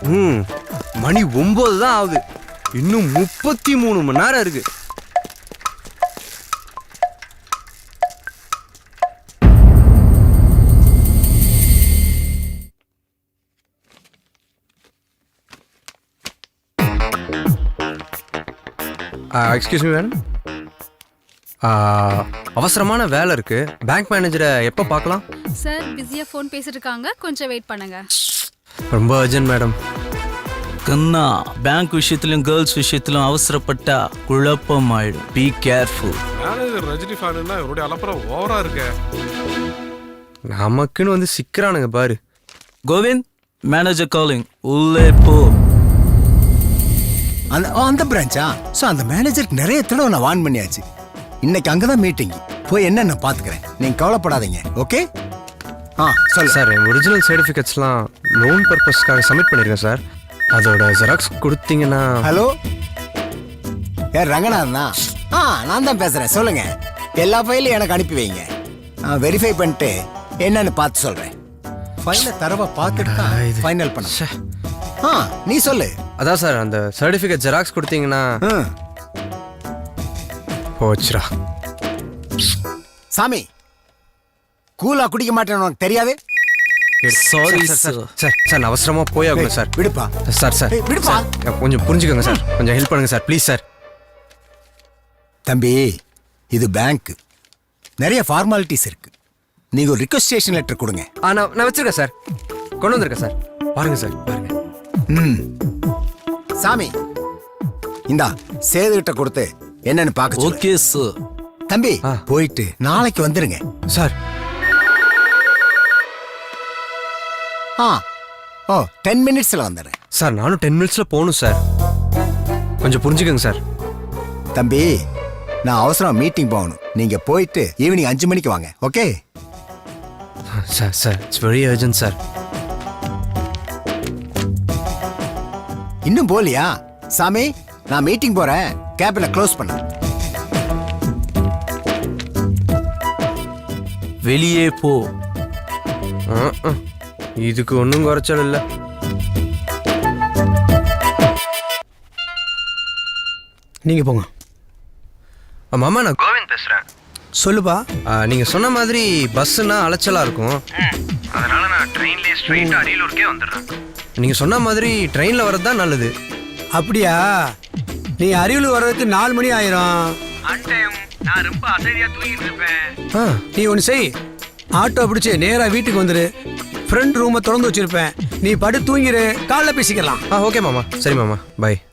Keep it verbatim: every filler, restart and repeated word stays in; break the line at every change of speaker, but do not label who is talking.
ம் மணி ஒன்பது தான் ஆகுது. இன்னும் முப்பத்தி மூணு மணி நேரம் இருக்கு. எக்ஸ்கியூஸ் மீ மேடம், அவசரமான வேலை இருக்கு. பேங்க் மேனேஜரை எப்போ பார்க்கலாம்?
சார் பிஸியாக ஃபோன் பேசிட்டு இருக்காங்க, கொஞ்சம் வெயிட் பண்ணுங்க.
ரொம்ப அர்ஜென்ட் மேடம்.
கண்ணா, பேங்க் விஷயத்திலும் கேர்ள்ஸ் விஷயத்திலும் அவசரப்பட்டா குழப்பம் ஆயிடும். Be careful.
மேனேஜர் ரஜினி ஃபேனுன்னா இவருடைய அலப்பறம் ஓவரா இருக்கு.
நமக்குன்னு வந்து சிக்கிறானுங்க பாரு.
கோவிந்த், மேனேஜர் காலிங், உள்ளே போ.
அந்த அந்த பிரான்ச்சா? ஸோ அந்த மேனேஜருக்கு நிறைய தடவை நான் வார்ன் பண்ணியாச்சு. இன்னைக்கு அங்கே தான் மீட்டிங், போய் என்னென்ன பார்த்துக்கிறேன். நீங்கள் கவலைப்படாதீங்க, ஓகே? ஆ சொல்லு
சார். என் ஒரிஜினல் சர்டிஃபிகேட்ஸ்லாம் லோன் பர்பஸ்க்காக சப்மிட் பண்ணியிருக்கேன் சார். அதோட ஜெராக்ஸ் கொடுத்தீங்கன்னா.
ஹலோ, யார் ரங்கநாதனா? ஆ நான் தான் பேசுகிறேன், சொல்லுங்க. எல்லா ஃபைலையும் எனக்கு அனுப்பி வைங்க, நான் வெரிஃபை பண்ணிட்டு என்னன்னு பார்த்து சொல்கிறேன். ஃபைலை தரவா பார்த்துட்டு தான் ஃபைனல் பண்ண. ஆ நீ சொல்லு.
அதான் சார், அந்த சர்டிஃபிகேட் ஜெராக்ஸ் கொடுத்தீங்கன்னா. போச்சுரா.
சாமி, கூலா குடிக்க மாட்டேன்னு உனக்கு தெரியாது?
Sorry
sir.
Sir.
Sir sir நான் அவசரமா போய் ஆகணும் சார்.
விடுப்பா
சார் சார்
ஏய், விடுப்பா.
சார், கொஞ்சம் புரிஞ்சுக்கோங்க சார். கொஞ்சம் ஹெல்ப் பண்ணுங்க சார், ப்ளீஸ் சார்.
தம்பி, இது பேங்க், நிறைய ஃபார்மாலிட்டிஸ் இருக்கு. நீங்க ஒரு ரிக்வெஸ்டேஷன் லெட்டர் கொடுங்க.
ஆ நான் நான் வச்சிருக்கேன் சார், கொண்டு வந்திருக்கேன் சார். பாருங்க சார், பாருங்க.
ம் சாமி, இந்தா சேதுகிட்ட கொடுத்து என்னன்னு பார்க்க சொல்லு.
Okay sir.
தம்பி போயிட்டு நாளைக்கு வந்துருங்க
சார்.
ஆ ஓ டென் மினிட்ஸ்ல வந்துடுறேன்
சார். நானும் டென் மினிட்ஸ்ல போகணும் சார், கொஞ்சம் புரிஞ்சுக்கோங்க சார்.
தம்பி, நான் அவசரம் மீட்டிங் போகணும். நீங்க போயிட்டு ஈவினிங் அஞ்சு மணிக்கு வாங்க, okay?
Sir sir it's very urgent sir.
இன்னும் போலியா? சாமி, நான் மீட்டிங் போறேன், கேபினை க்ளோஸ் பண்ண.
வெளியே போ.
இதுக்கு ஒன்றும் குறைச்சல் இல்லை.
நீங்கள் போங்க.
மாமா, நான் கோவிந்த் பேசுகிறேன்.
சொல்லுப்பா.
நீங்கள் சொன்ன மாதிரி பஸ்ஸுன்னா அலைச்சலாக இருக்கும், அதனால நான் ட்ரெயின்லேயே ஸ்ட்ரெயிட்டாக அரியலூருக்கே வந்துடுறேன். நீங்கள் சொன்ன மாதிரி ட்ரெயினில் வர்றது தான் நல்லது.
அப்படியா? நீ அரியலூர் வர்றதுக்கு நாலு மணி ஆயிரும்.
நான் ரொம்ப அசதியாக தூங்கிட்டு இருப்பேன்.
நீ ஒன்று செய், ஆட்டோ பிடிச்சி நேராக வீட்டுக்கு வந்துரு. ஃப்ரெண்ட் ரூமை திறந்து வச்சிருப்பேன், நீ படு தூங்கிரு, காலைல பேசிக்கலாம்.
ஆ ஓகே மாமா. சரி மாமா, பை.